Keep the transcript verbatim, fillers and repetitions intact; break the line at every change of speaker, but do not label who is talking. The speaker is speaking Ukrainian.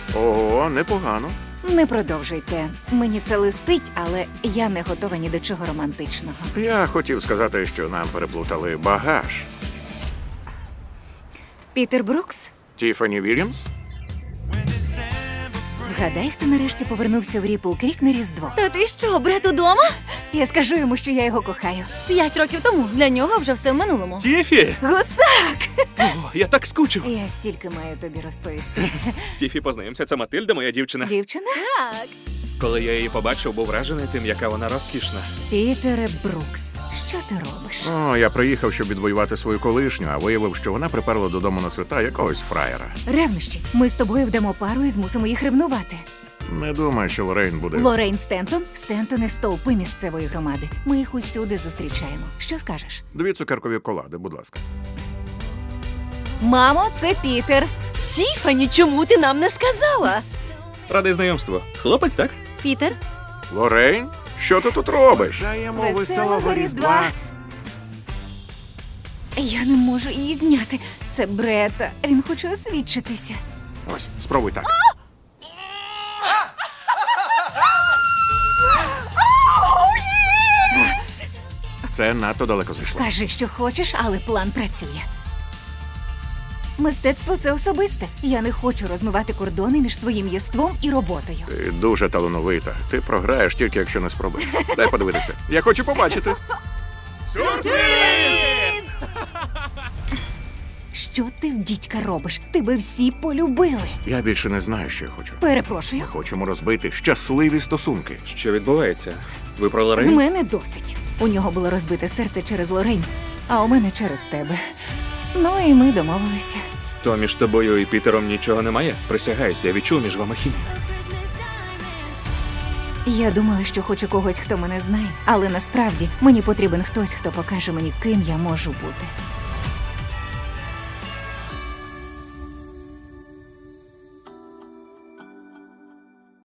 Ого, непогано.
Не продовжуйте. Мені це листить, але я не готова ні до чого романтичного.
Я хотів сказати, що нам переплутали багаж.
Пітер Брукс?
Тіфані Вільямс?
Вгадай, хто нарешті повернувся в Ріпл Крік на Різдво.
Та ти що, брат удома?
Я скажу йому, що я його кохаю.
П'ять років тому. Для нього вже все в минулому.
Тіфі!
Гусак!
О, я так скучив.
Я стільки маю тобі розповісти.
Тіфі, познайомся, це Матильда, моя дівчина.
Дівчина?
Так.
Коли я її побачив, був вражений тим, яка вона розкішна.
Пітере Брукс, що ти робиш?
О, я приїхав, щоб відвоювати свою колишню, а виявив, що вона приперла додому на свята якогось фраєра.
Ревнощі, ми з тобою вдамо пару і змусимо їх ревнувати.
Не думаю, що Лорейн буде.
Лорейн Стентон, Стентони стовпи місцевої громади. Ми їх усюди зустрічаємо. Що скажеш?
Дві цукеркові колади, будь ласка.
Мамо, це Пітер.
Тіфані, чому ти нам не сказала?
Радий знайомству. Хлопець, так?
Пітер?
Лорейн? Що ти тут робиш? Даємо
Веселого Різдва. Я не можу її зняти. Це Брета. Він хоче освідчитися.
Ось, спробуй так. Це надто далеко зайшло.
Кажи, що хочеш, але план працює. Мистецтво – це особисте. Я не хочу розмивати кордони між своїм єством і роботою.
Ти дуже талановита. Ти програєш тільки, якщо не спробуєш. Дай подивитися. Я хочу побачити.
Що ти в дідька робиш? Тебе всі полюбили.
Я більше не знаю, що я хочу.
Перепрошую.
Хочемо розбити щасливі стосунки.
Що відбувається? Ви про
З
Лорейн?
мене досить. У нього було розбите серце через Лорейн, а у мене через тебе. Ну і ми домовилися.
То між тобою і Пітером нічого немає? Присягаюсь, я відчув між вами хімію.
Я думала, що хочу когось, хто мене знає, але насправді мені потрібен хтось, хто покаже мені, ким я можу бути.